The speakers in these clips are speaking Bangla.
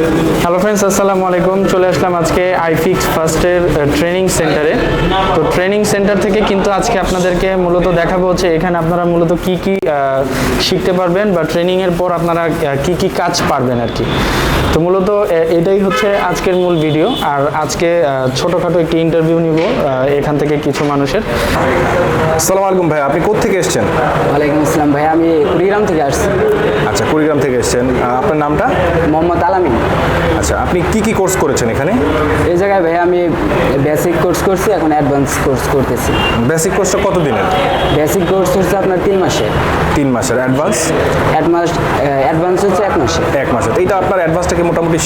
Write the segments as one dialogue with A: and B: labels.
A: হ্যালো ফ্রেন্ডস, আসসালামু আলাইকুম। চলে আসলাম আজকে আইফিক্স ফার্স্টের ট্রেনিং সেন্টারে। তো ট্রেনিং সেন্টার থেকে কিন্তু আজকে আপনাদেরকে মূলত দেখাবো হচ্ছে এখানে আপনারা মূলত কি কি শিখতে পারবেন বা ট্রেনিংয়ের পর আপনারা কি কি কাজ পারবেন আর কি। তো মূলত এটাই হচ্ছে আজকের মূল ভিডিও। আর আজকে ছোটোখাটো একটি ইন্টারভিউ নিব এখান থেকে কিছু মানুষের।
B: আসসালামু আলাইকুম ভাই, আপনি কোত্থেকে এসেছেন?
C: ওয়ালাইকুম আসসালাম ভাই, আমি কুড়িগ্রাম থেকে আসছি।
B: আচ্ছা, কুড়িগ্রাম থেকে এসেছেন। আপনার নামটা?
C: মোহাম্মদ আলামিন।
B: আচ্ছা, আপনি কি কি কোর্স করেছেন এখানে?
C: এই জায়গায় ভাই আমি বেসিক কোর্স করছি, এখন অ্যাডভান্স কোর্স করতেছি।
B: বেসিক কোর্সটা কত দিনের?
C: বেসিক কোর্স হচ্ছে আপনার 3 মাসে।
B: 3 মাসের।
C: অ্যাডভান্স হচ্ছে 1 মাসে।
B: 1 মাসের। এইটা আপনার অ্যাডভান্সটা কি মোটামুটি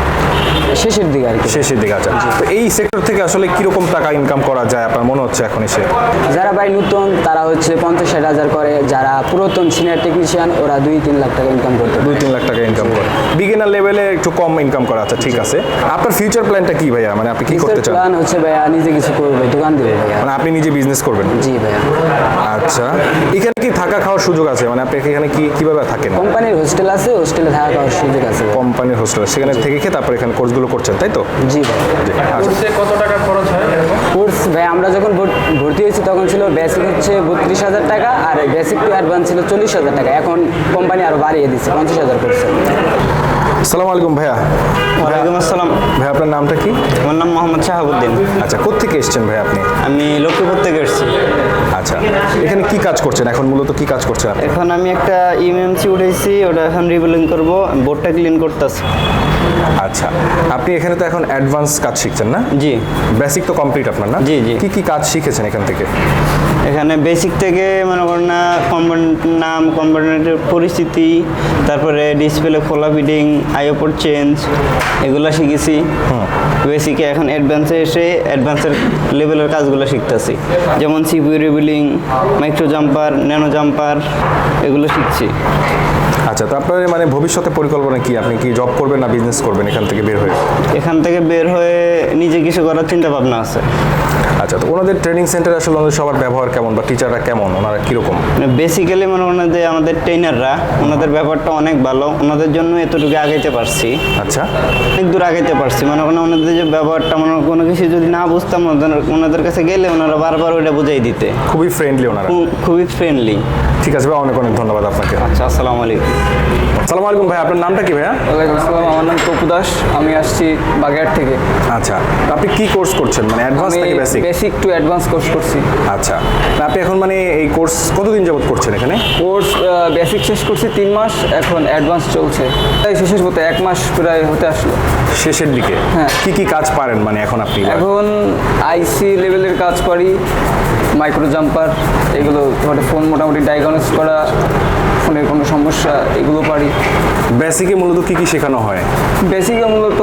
C: শেষের দিকে আর কি।
B: শেষের দিকে। আচ্ছা, তো এই সেক্টর থেকে আসলে কিরকম টাকা ইনকাম করা যায় আপনার মনে হচ্ছে এখন এসে?
C: যারা ভাই নতুন তারা হচ্ছে 50-60 হাজার করে, যারা পুরাতন সিনিয়র টেকনিশিয়ান ওরা 2-3 লাখ টাকা ইনকাম করতে পারে।
B: 2-3 লাখ টাকা ইনকাম করে। বিগিনার লেভেলে একটু কম ইনকাম করা। আচ্ছা, ঠিক আছে। আপনার ফিউচার প্ল্যানটা কি ভাইয়া? মানে আপনি কি করতে চান?
C: প্ল্যান হচ্ছে ভাইয়া নিজে কিছু করবে, দোকান দিবে ভাইয়া।
B: মানে আপনি নিজে বিজনেস করবেন?
C: জি ভাইয়া।
B: আচ্ছা, এখানে কি থাকা খাওয়ার সুযোগ আছে? মানে আপনি এখানে কিভাবে থাকেন?
C: কোম্পানির হোস্টেল আছে, হোস্টেলে থাকা খাওয়ার সুযোগ আছে।
B: কোম্পানির হোস্টেল, সেখানে থেকে খেয়ে তারপর এখানে কোর্সগুলো করছেন, তাই তো?
C: জি ভাই।
A: কোর্সে কত টাকা খরচ হয়?
C: কোর্স ভাই আমরা যখন ভর্তি হয়েছি তখন ছিল বেসিক হচ্ছে 32,000 টাকা, আর বেসিক টু অ্যাডভান্স ছিল 40,000 টাকা। এখন কোম্পানি আরো বাড়িয়ে দিচ্ছে, 50,000 করছে।
B: আসসালামু আলাইকুম ভাইয়া।
D: ওয়ালাইকুম আসসালাম।
B: ভাই, আপনার নামটা কি?
D: আমার নাম মোহাম্মদ শাহাবুদ্দিন।
B: আচ্ছা, কোত্থেকে এসেছেন ভাই আপনি?
D: আমি লক্ষ্মীপুর থেকে এসেছি।
B: আচ্ছা, এখানে কি কাজ করছেন এখন? মূলত কি কাজ করছেন আপনি?
D: এখন আমি একটা ইএমএমসি উঠেছি, ওটা এখন রিবিলিং করব, বোর্ডটা ক্লিন করতেছি।
B: আচ্ছা, আপনি এখানে তো এখন অ্যাডভান্স কাজ শিখছেন না?
D: জি।
B: বেসিক তো কমপ্লিট আপনার না?
D: জি, জি।
B: কি কি কাজ শিখেছেন এখান থেকে?
D: এখানে বেসিক থেকে মনে করেন না কম্পোনেন্ট নাম, কম্পোনেন্টের পরিস্থিতি, তারপরে ডিসপ্লে খোলা ফিটিং, আইওপোর্ট চেঞ্জ, এগুলো শিখেছি বেসিকে। এখন অ্যাডভান্সে এসে অ্যাডভান্সের লেভেলের কাজগুলো শিখতেছি, যেমন CPU reballing, micro jumper, nano jumper, এগুলো শিখছি।
B: আচ্ছা, তো আপনার মানে ভবিষ্যতে পরিকল্পনা কি? আপনি কি জব করবেন না বিজনেস করবেন এখান থেকে বের হয়ে?
D: এখান থেকে বের হয়ে নিজে কিছু করার চিন্তা ভাবনা আছে।
B: আচ্ছা, তো ওনাদের ট্রেনিং সেন্টারে আসলে ওনাদের সবার ব্যবহার কেমন বা টিচাররা কেমন, ওনারা কীরকম?
D: বেসিক্যালি মনে করেন যে আমাদের ট্রেনাররা, ওনাদের ব্যাপারটা অনেক ভালো, ওনাদের জন্য এতটুকু আগাইতে পারছি।
B: আচ্ছা,
D: অনেক দূর আগাইতে পারছি। মনে করেন ওনাদের যে ব্যাপারটা, মনে কোনো কিছু যদি না বুঝতাম ওনাদের কাছে গেলে ওনারা বারবার ওইটা বুঝাই দিতে।
B: খুবই ফ্রেন্ডলি ওনারা।
D: খুবই ফ্রেন্ডলি।
B: ঠিক আছে ভাই, অনেক অনেক ধন্যবাদ আপনাকে।
D: আচ্ছা, আসসালামু আলাইকুম।
B: আসসালামু আলাইকুম ভাই, আপনার নামটা কি ভাইয়া?
E: ওয়ালাইকুম আসসালাম, আমার নাম তপু দাস, আমি আসছি বাগেরহাট থেকে।
B: আচ্ছা, আপনি কি কোর্স করছেন? মানে অ্যাডভান্স নাকি basic?
E: Basic to advance course করছি।
B: আচ্ছা, আপনি এখন মানে এই কোর্স কতদিন যাবত করছেন এখানে?
E: কোর্স বেসিক শেষ করছি 3 মাস, এখন অ্যাডভান্স চলছে। তাই শেষ হতে 1 মাস প্রায় হতে আসলো।
B: শেষের দিকে?
E: হ্যাঁ।
B: কি কি কাজ পারেন মানে এখন আপনি?
E: এখন আইসি লেভেলের কাজ পারি, মাইক্রো জাম্পার, এগুলো ফোন মোটামুটি ডায়াগনোস করা, ফোনের কোনো সমস্যা, এগুলো পারি।
B: বেসিকে মূলত কি কি শেখানো হয়?
E: বেসিকে মূলত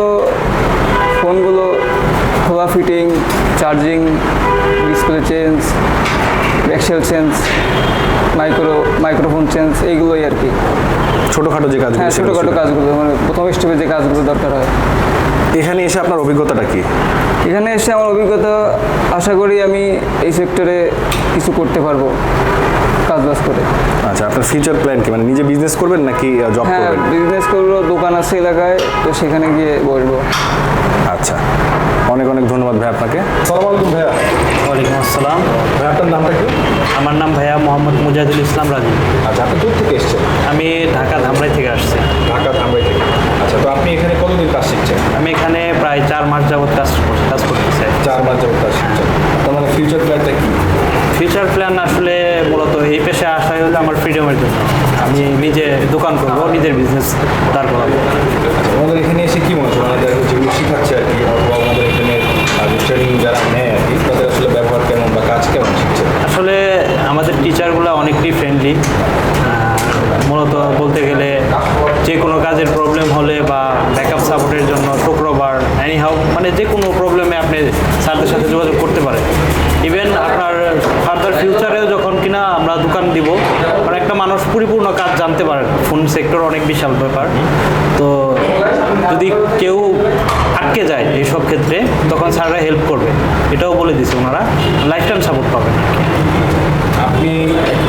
E: ফোনগুলো খোলা ফিটিং, চার্জিং, ডিসপ্লে চেঞ্জ, এক্সেল চেঞ্জ, মাইক্রোফোন চেঞ্জ, এইগুলোই আর কি।
B: ছোটোখাটো যে কাজগুলো?
E: হ্যাঁ, ছোটোখাটো কাজগুলো, মানে প্রথম স্টেপে যে কাজগুলো দরকার হয়।
B: এখানে এসে আপনার অভিজ্ঞতাটা কি?
E: এখানে এসে আমার অভিজ্ঞতা, আশা করি আমি এই সেক্টরে কিছু করতে পারবো কাজ বাজ করে।
B: আচ্ছা, আপনার ফিউচার প্ল্যান কি? মানে নিজে বিজনেস করবেন নাকি জব
E: হ্যাঁ,
B: করবেন?
E: বিজনেস করবো, দোকান আছে এলাকায়, তো সেখানে গিয়ে বসবো।
B: আচ্ছা, অনেক অনেক ধন্যবাদ ভাই আপনাকে। আসসালামু আলাইকুম ভাইয়া।
F: ওয়ালাইকুম আসসালাম।
B: ভাই, আপনার নামটা কি?
F: আমার নাম ভাইয়া মোহাম্মদ মুজাহিদুল ইসলাম রাজু।
B: আচ্ছা, আপনি দূর থেকে এসেছেন?
F: আমি ঢাকা ধামরাই থেকে আসছি।
B: ঢাকা ধামরাই থেকে। আচ্ছা, তো আপনি এখানে কতদিন কাজ শিখছেন?
F: আমি এখানে প্রায় 4 মাস যাবত কাজ করতেছি।
B: 4 মাস যাবত কাজ শিখছেন। তার মানে ফিউচার প্ল্যানটা কি?
F: ফিউচার প্ল্যান আসলে মূলত এই পেশায় আসাই হলো আমার ফ্রিডমের জন্য। আমি নিজে দোকান করবো, নিজের বিজনেস দাঁড় করাবো।
B: আচ্ছা, আমাদের এখানে এসে কি মনে হচ্ছে? আমাদের যেগুলো শেখাচ্ছে আর কি, অথবা আমাদের এখানে ট্রেনিং যারা নেয় আর কি, তাদের আসলে ব্যবহার কেমন বা কাজ কেমন শিখছে?
F: আসলে আমাদের টিচারগুলো অনেকটাই ফ্রেন্ডলি। মূলত বলতে গেলে যে কোনো কাজের প্রবলেম হলে বা ব্যাকআপ সাপোর্টের জন্য শুক্রবার এনিহাউ, মানে যে কোনো প্রবলেমে আপনি স্যারদের সাথে যোগাযোগ করতে পারেন। ইভেন আপনার ফার্দার ফিউচারেও যখন কিনা আমরা দোকান দিব, কারণ একটা মানুষ পরিপূর্ণ কাজ জানতে পারে, ফোন সেক্টর অনেক বিশাল ব্যাপার। তো যদি কেউ আটকে যায় এইসব ক্ষেত্রে, তখন স্যাররা হেল্প করবে, এটাও বলে দিছে ওনারা। লাইফ টাইম সাপোর্ট পাবেন।
B: আপনি বেসিক কাজ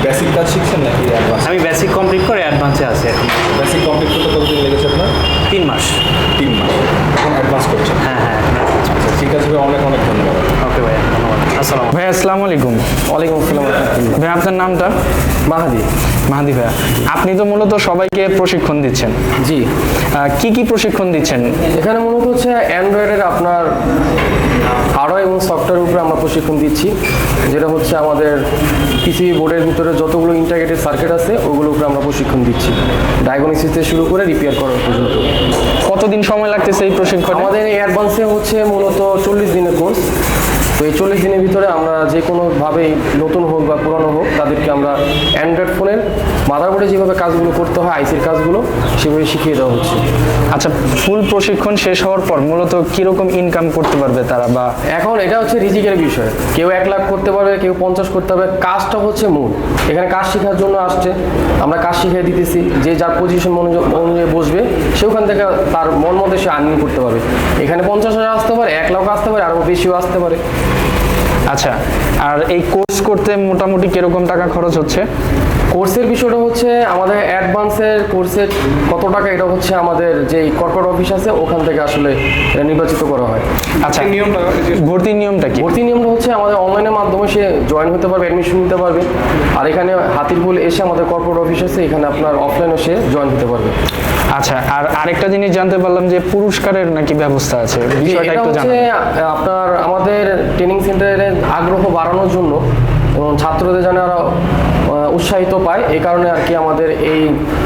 B: শিখছেন নাকি অ্যাডভান্স?
F: আমি বেসিক কমপ্লিট করে অ্যাডভান্সে আছি এখন।
B: বেসিক কমপ্লিট করতে কতদিন লেগেছে আপনার?
F: 3 মাস।
B: 3 মাস। এখন অ্যাডভান্স করছেন?
F: হ্যাঁ হ্যাঁ।
B: আচ্ছা ঠিক আছে ভাই, অনেক অনেক ধন্যবাদ।
F: ওকে ভাইয়া, ধন্যবাদ। আসসালাম।
A: ভাই আসসালামু আলাইকুম।
C: ওয়ালাইকুম আসসালাম।
A: ভাই আপনার নামটা?
C: মাহাদি।
A: মাহাদি ভাইয়া, আপনি তো মূলত সবাইকে প্রশিক্ষণ দিচ্ছেন,
G: জি,
A: কি কি প্রশিক্ষণ দিচ্ছেন?
G: এখানে মূলত হচ্ছে অ্যান্ড্রয়েডের আপনার হার্ডওয়্যার এবং সফটওয়্যার উপরে আমরা প্রশিক্ষণ দিচ্ছি, যেটা হচ্ছে আমাদের পিসিবি বোর্ডের ভিতরে যতগুলো ইন্টাগ্রেটেড সার্কিট আছে ওগুলোর উপরে আমরা প্রশিক্ষণ দিচ্ছি, ডায়াগনোসিস থেকে শুরু করে রিপেয়ার করার পর্যন্ত।
A: কতদিন সময় লাগতেছে এই প্রশিক্ষণ?
G: আমাদের এই অ্যাডভান্সে হচ্ছে মূলত 40 দিনের কোর্স। তো এই 40 দিনের ভিতরে আমরা যে কোনোভাবেই নতুন হোক বা পুরনো হোক তাদেরকে আমরা অ্যান্ড্রয়েড ফোনের মাদারবোর্ডে যেভাবে কাজগুলো করতে হয়, আইসির কাজগুলো সেভাবে শিখিয়ে দেওয়া হচ্ছে।
A: আচ্ছা, ফুল প্রশিক্ষণ শেষ হওয়ার পর মূলত কিরকম ইনকাম করতে পারবে তারা? বা
G: এখন এটা হচ্ছে রিজিকের বিষয়, কেউ 1 লাখ করতে পারবে, কেউ 50 করতে পারবে। কাজটা হচ্ছে মূল, এখানে কাজ শেখার জন্য আসছে, আমরা কাজ শিখিয়ে দিতেছি। যে যার পজিশন অনুযায়ী বসবে সে ওখান থেকে তার মন মতো সে আর্নিং করতে পারবে। এখানে 50,000 আসতে পারে, 1 লাখ আসতে পারে, আরও বেশিও আসতে পারে।
A: আচ্ছা, আর এই কোর্স করতে মোটামুটি কিরকম টাকা খরচ হচ্ছে?
G: কোর্সের বিষয়টা হচ্ছে আমাদের অ্যাডভান্সের কোর্সের কত টাকা, এটা হচ্ছে আমাদের যেই কর্পোরেট অফিস আছে ওখান থেকে আসলে এটা নির্বাচিত করা হয়।
A: আচ্ছা, ভর্তির নিয়মটা কি?
G: ভর্তি নিয়মটা হচ্ছে আমাদের অনলাইনের মাধ্যমে সে জয়েন হতে পারবে, অ্যাডমিশন নিতে পারবে। আর এখানে হাতিরপুল এসে আমাদের কর্পোরেট অফিস আছে, এখানে আপনার অফলাইনে সে জয়েন হতে পারবে।
A: আচ্ছা, আর আরেকটা জিনিস জানতে পারলাম যে পুরস্কারের নাকি ব্যবস্থা আছে, বিষয়টা
G: এটা
A: একটু
G: হচ্ছে
A: জানান।
G: আপনার আমাদের ট্রেনিং সেন্টারের আগ্রহ বাড়ানোর জন্য এবং ছাত্রদের যেন আরও উৎসাহিত পায়, এই কারণে আর কি আমাদের এই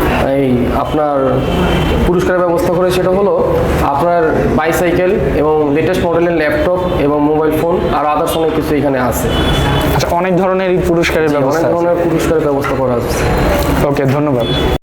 G: আপনার পুরস্কারের ব্যবস্থা করে। সেটা হলো আপনার বাইসাইকেল এবং লেটেস্ট মডেলের ল্যাপটপ এবং মোবাইল ফোন আর আদার্স অনেক কিছু এখানে আছে।
A: আচ্ছা, অনেক ধরনের এই পুরস্কারের
G: অনেক
A: ব্যবস্থা আছে।
G: ধরনের পুরস্কারের ব্যবস্থা করা আছে।
A: ওকে, ধন্যবাদ।